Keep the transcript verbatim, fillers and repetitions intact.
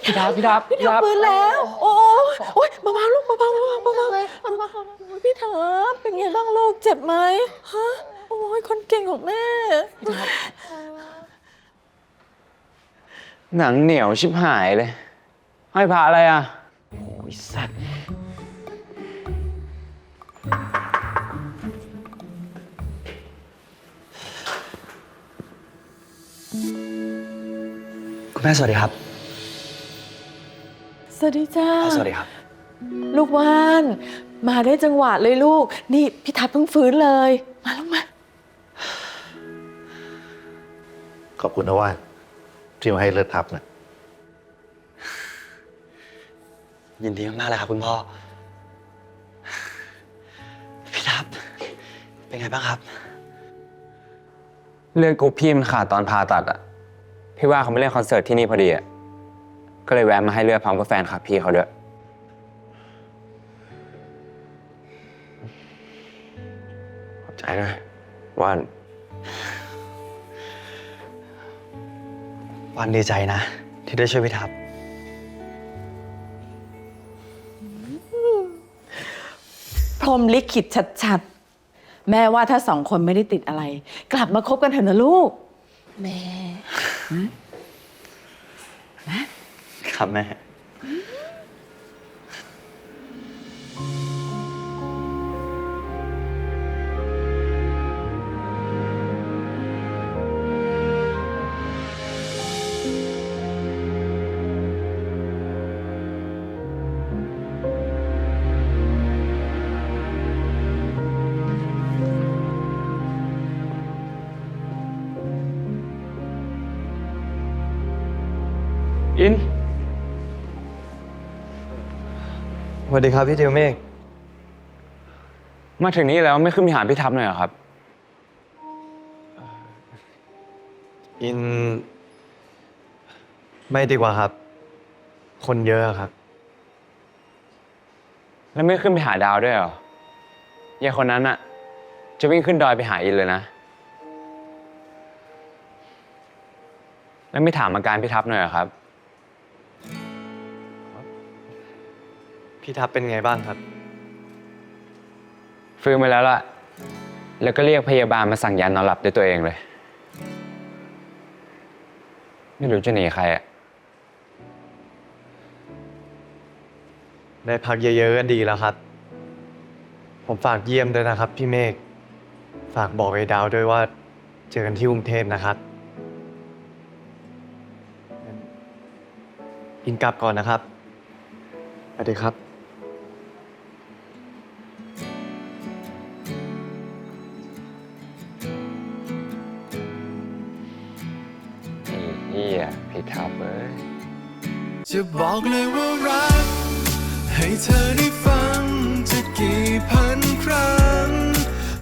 พี่ทับพี่ทับพี่ทับฟื้นแล้ว โอ้โอ้ยเบาๆลูกเบาๆเบาๆเบาๆพี่ทับเป็นไงบ้างลูกเจ็บไหมฮะโอ้ยคนเก่งของแม่พี่ทับหนังเหนียวชิบหายเลยให้พาอะไรอ่ะโอ้ยสัตว์คุณแม่สวัสดีครับสวัสดีจ้าสวัสดีครับลูกว่านมาได้จังหวะเลยลูกนี่พี่ทับเพิ่งฟื้นเลยมาลูกมาขอบคุณนะว่านที่มาให้เลือดทับนะยินดีมากๆเลยครับคุณพ่อ พี่ทับ เป็นไงบ้างครับเลือดกรุ๊ปพี่มันขาดตอนผ่าตัดอ่ะพี่ว่าเขาไม่เล่นคอนเสิร์ตที่นี่พอดีอ่ะก็เลยแวะมาให้เลือดพร้อมกับแฟนคลับพี่เขาด้วยขอบใจนะว่านวันดีใจนะ ที่ได้ช่วยพี่ทับพรหมลิขิตชัดๆแม่ว่าถ้าสองคนไม่ได้ติดอะไร กลับมาคบกันเถอะนะลูกแม่ครับแม่อินสวัสดีครับพี่เดียวเมฆมาถึงนี้แล้วไม่ขึ้นไปหาพี่ทับหน่อยเหรอครับอิน ไม่ดีกว่าครับ คนเยอะครับแล้วไม่ขึ้นไปหาดาวด้วยเหรอยายคนนั้นอะจะวิ่งขึ้นดอยไปหาอินเลยนะแล้วไม่ถามอาการพี่ทับหน่อยเหรอครับพี่ทับเป็นไงบ้างครับฟื้นมาแล้วล่ะ แล้วก็เรียกพยาบาลมาสั่งยานอนหลับด้วยตัวเองเลย ไม่รู้จะหนีใครอะได้พักเยอะๆกันดีแล้วครับ ผมฝากเยี่ยมด้วยนะครับพี่เมฆ ฝากบอกไอ้ดาวด้วยว่าเจอกันที่กรุงเทพนะครับอินกลับก่อนนะครับสวัสดีครับไอ้เหี้ยพี่ทับเอ้ยจะบอกเลยว่ารัก ให้เธอได้ฟังจะกี่พันครั้ง